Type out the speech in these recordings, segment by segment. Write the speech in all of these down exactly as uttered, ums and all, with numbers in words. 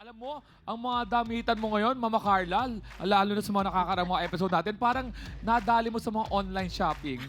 Alam mo, ang mga damitan mo ngayon, Mama Carla, lalo na sa mga nakakaramang mga episode natin, parang nadali mo sa mga online shopping.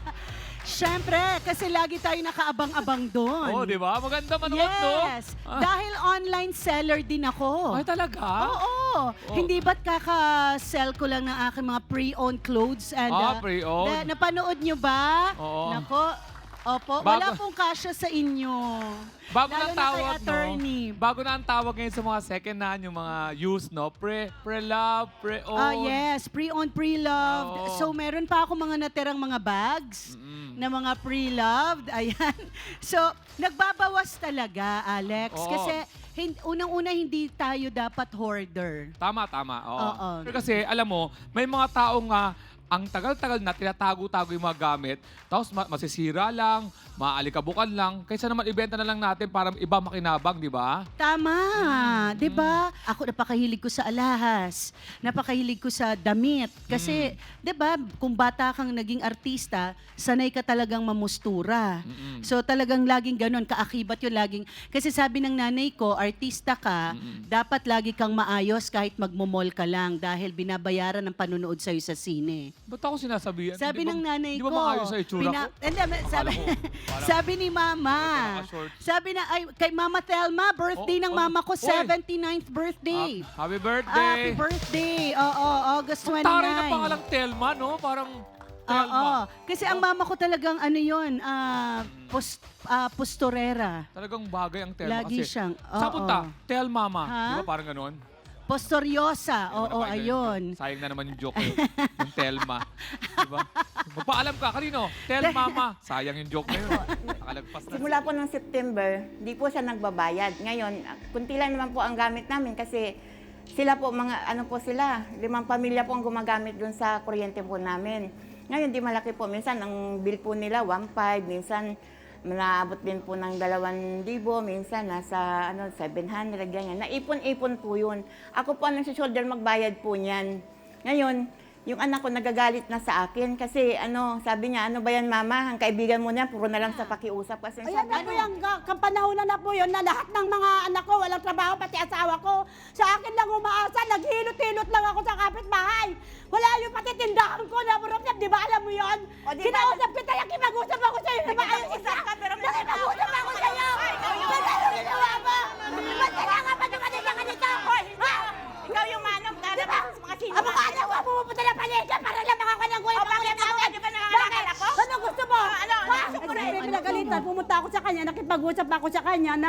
Siyempre, kasi lagi tayo nakaabang-abang doon. Oo, di ba? Maganda manood, no? Yes. Ah. Dahil online seller din ako. Ay, talaga? Oo. Hindi ba't kaka-sell ko lang ng aking mga pre-owned clothes? And, Ah, uh, pre-owned. na- napanood nyo ba? Oo. Nako. Opo, Bago- wala pong kasya sa inyo. Bago na Lalo ang na kay tawag, attorney. no? Bago na ang tawag ngayon sa mga second hand, yung mga used, no? Pre, pre-love, pre-owned. Ah, yes, pre-owned, pre-loved. Oo. So, meron pa ako mga natirang mga bags Mm-mm. na mga pre-loved. Ayan. So, nagbabawas talaga, Alex. Oo. Kasi hin- unang-una, hindi tayo dapat hoarder. Tama, tama. Oo. Oo. Pero kasi, alam mo, may mga taong nga, ang tagal-tagal na tinatago-tago yung mga gamit, tapos ma- masisira lang, maalikabukan lang, kaysa naman ibenta na lang natin para iba makinabang, di ba? Tama, Mm, 'di ba? Ako napakahilig ko sa alahas, napakahilig ko sa damit kasi Mm. 'di ba, kung bata kang naging artista, sanay ka talagang mamustura. Mm-mm. So talagang laging ganun, kaakibat 'yung laging kasi sabi ng nanay ko, artista ka, Mm-mm. dapat lagi kang maayos kahit magmo-mall ka lang dahil binabayaran ng panunood sa sa sine. Ba't ako sinasabihan? Sabi Di ba- ng nanay di ko. ba maayos sa itsura bina- ko? Hindi, Akala sabi, ko, parang- sabi ni Mama. Naka-short. Sabi na, ay, kay Mama Thelma, birthday Oh, ng oh, mama ko, oy. seventy-ninth birthday. Ah, happy birthday! Happy birthday! Oo, August Ang twenty-nine. taray na pangalang Telma, no? Parang Oo, Telma. kasi ang mama ko talagang ano yun, ah, pos, ah, posturera. Talagang bagay ang Telma Lagi kasi. siyang, Saan oo. punta? Tel Mama. Ha? Di ba parang ganon? Posturyosa, Di ba oo, na- ayun. Sayang na naman yung joke ko. Yung Telma. Di ba? Magpaalam ka. Kanino? Tel Mama. Sayang yung joke na yun. Nakalagpas na. Simula po ng September, di po siya nagbabayad. Ngayon, kunti lang naman po ang gamit namin kasi sila po, mga ano po sila, limang pamilya po ang gumagamit dun sa kuryente po namin. Ngayon, di malaki po. Minsan, ang bill po nila, one five. Minsan, naabot din po ng dalawang libo. Minsan, nasa ano, seven hundred, ganyan. Naipon-ipon po yun. Ako po ang nagsisolder magbayad po niyan. Ngayon, yung anak ko nagagalit na sa akin kasi ano, sabi niya, ano ba yan mama, ang kaibigan mo niya, puro na lang sa pakiusap. Kasi Ayan sabi, na po yung ka- kapanahonan na po yun na lahat ng mga anak ko, walang trabaho, pati asawa ko. Sa akin lang umaasa, naghilot-hilot lang ako sa kapitbahay. Wala yung pati tindahan ko na burok di ba alam mo yun? O, di ba- Kinausap kita, yung kimag-usap ako sa'yo, na maayos isa. Nakipag-usap ka, pero may Nakipag-usap ako sa'yo. Ba't ano ginawa mo? Ba't kailangan pa dumating ka ganito? Ha? ikaw yung manong Di ba? ganap sa mga sino. Ang mga anak ko pumupunta ng palengke para lang makakalang ko O, bakit ako? Di ba nangangalakal ako? Ano gusto mo? ano? Pasok ko na eh. Pinagalitan, pumunta ako sa kanya, nakipag-usap ako sa kanya na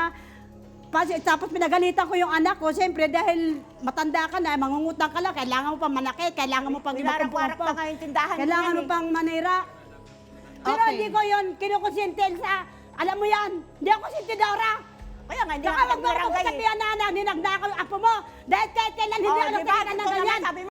Pas- tapos pinagalitan ko yung anak ko, siyempre dahil matanda ka na, mangungutang ka lang, kailangan mo pang manakit, kailangan mo pang Pinarap-warap pa nga yung tindahan kailangan niyan mo eh. pang manira. Pero Okay. hindi ko yun kinukonsinti sa, alam mo yan, hindi ako sintidora. Kaya nga, hindi Saka ako wag mo ako magbarangay eh. sabihan na anak, ninagda ko yung apo mo. Dahil kahit kailan hindi Oh, ako di ba? nagkakaroon ng Ito naman, ganyan. sabi mo,